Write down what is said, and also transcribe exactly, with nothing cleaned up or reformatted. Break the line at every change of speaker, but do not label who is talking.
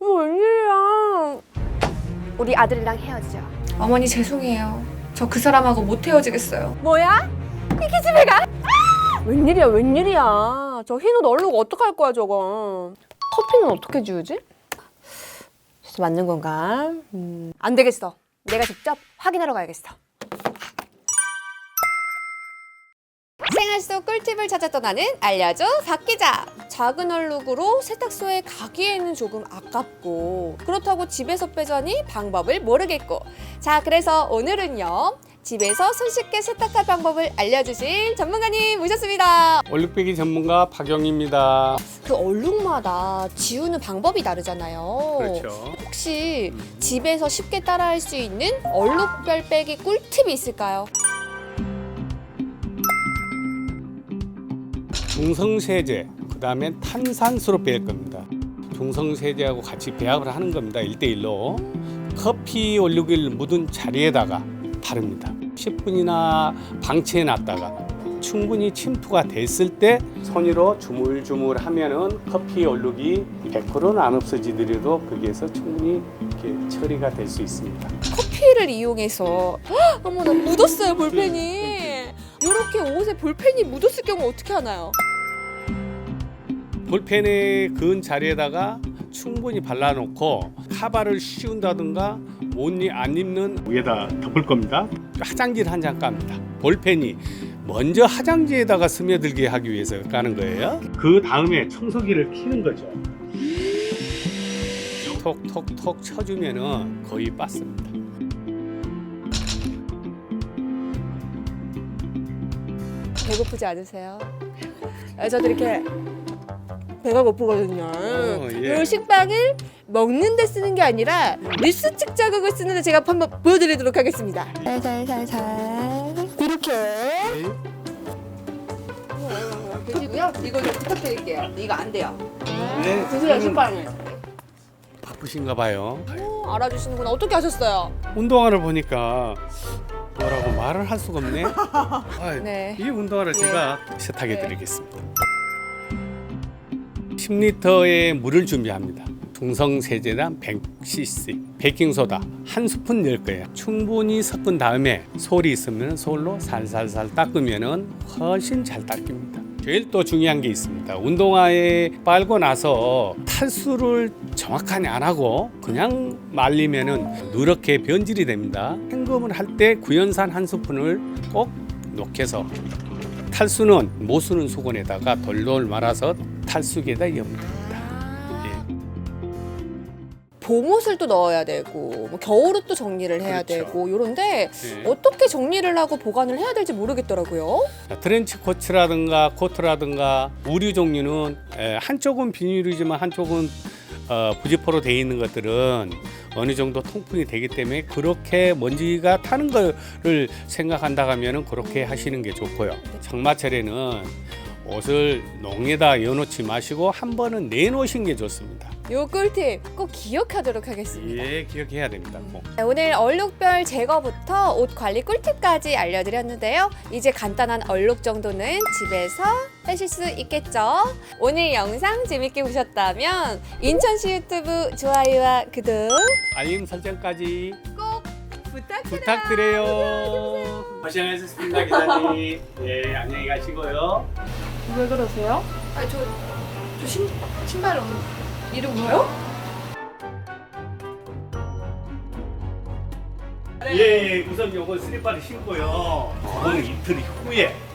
여보 웬일이야? 우리 아들이랑 헤어지자.
어머니 죄송해요. 저 그 사람하고 못 헤어지겠어요.
뭐야? 이게 집에 가? 아! 웬일이야 웬일이야. 저 흰옷 얼룩 어떡할 거야 저거. 커피는 어떻게 지우지? 진짜 맞는 건가? 음, 안 되겠어. 내가 직접 확인하러 가야겠어. 생활 속 꿀팁을 찾아 떠나는 알려줘 박 기자. 작은 얼룩으로 세탁소에 가기에는 조금 아깝고 그렇다고 집에서 빼자니 방법을 모르겠고. 자, 그래서 오늘은요 집에서 손쉽게 세탁할 방법을 알려주실 전문가님 모셨습니다.
얼룩배기 전문가 박영입니다.
그 얼룩마다 지우는 방법이 다르잖아요.
그렇죠.
혹시 집에서 쉽게 따라할 수 있는 얼룩별 빼기 꿀팁이 있을까요?
중성세제, 그 다음에 탄산수로 뺄 겁니다. 중성세제하고 같이 배합을 하는 겁니다. 일 대 일로. 커피 얼룩을 묻은 자리에다가 바릅니다. 십 분이나 방치해 놨다가 충분히 침투가 됐을 때 손으로 주물주물 하면은 커피 얼룩이 백 퍼센트는 안 없어지더라도 거기에서 충분히 이렇게 처리가 될 수 있습니다.
커피를 이용해서 헉, 어머 나 묻었어요 볼펜이. 이렇게 옷에 볼펜이 묻었을 경우 어떻게 하나요?
볼펜에 그은 자리에다가 충분히 발라놓고 카바를 씌운다든가 옷 안 입는 위에다 덮을 겁니다. 화장지를 한 장 깝니다. 볼펜이 먼저 화장지에다가 스며들게 하기 위해서 까는 거예요. 그 다음에 청소기를 켜는 거죠. 톡톡톡 쳐주면은 거의 빠습니다.
배고프지 않으세요? 아, 저도 이렇게 배가 고프거든요.
어, 예.
이 식빵을 먹는 데 쓰는 게 아니라 뉴스 측 자극을 쓰는데 제가 한번 보여드리도록 하겠습니다. 살살살살 이렇게 계시고요. 이거 좀 부탁드릴게요. 이거 안 돼요.
네.
드세요 식빵을.
바쁘신가 봐요.
오, 알아주시는구나. 어떻게 하셨어요?
운동화를 보니까 뭐라고 말을 할 수가 없네. 아이,
네.
이 운동화를
예.
제가 세탁해
네.
드리겠습니다. 십 리터의 물을 준비합니다. 중성세제당 백 씨씨, 베이킹소다 한 스푼 넣을 거예요. 충분히 섞은 다음에 솔이 있으면 솔로 살살살 닦으면 훨씬 잘 닦입니다. 제일 또 중요한 게 있습니다. 운동화에 빨고 나서 탈수를 정확하게 안 하고 그냥 말리면 누렇게 변질이 됩니다. 헹굼을 할 때 구연산 한 스푼을 꼭 녹여서 탈수는 못 쓰는 수건에다가 돌돌 말아서 탈수기에다 엽니다. 예.
봄옷을 또 넣어야 되고 뭐 겨울옷 또 정리를 해야
그렇죠.
되고 이런데
예.
어떻게 정리를 하고 보관을 해야 될지 모르겠더라고요.
트렌치 코트라든가 코트라든가 우류 종류는 에, 한쪽은 비닐이지만 한쪽은 어, 부지포로 되어 있는 것들은 어느 정도 통풍이 되기 때문에 그렇게 먼지가 타는 거를 생각한다 하면은 그렇게 하시는 게 좋고요. 장마철에는 옷을 농에다 여놓지 마시고 한 번은 내놓으신 게 좋습니다.
요 꿀팁 꼭 기억하도록 하겠습니다.
예, 기억해야 됩니다. 꼭.
네, 오늘 얼룩별 제거부터 옷 관리 꿀팁까지 알려드렸는데요. 이제 간단한 얼룩 정도는 집에서 빼실 수 있겠죠? 오늘 영상 재밌게 보셨다면 인천시 유튜브 좋아요와 구독
알림 설정까지
꼭 부탁드려요.
부탁드려요. 고생하셨습니다, 기자님. 예, 안녕히 가시고요.
왜 그러세요? 아니 저, 저 신, 신발 없 이름 뭐요?
예, 우선 요거 슬리퍼를 신고요. 저거는 이틀 후에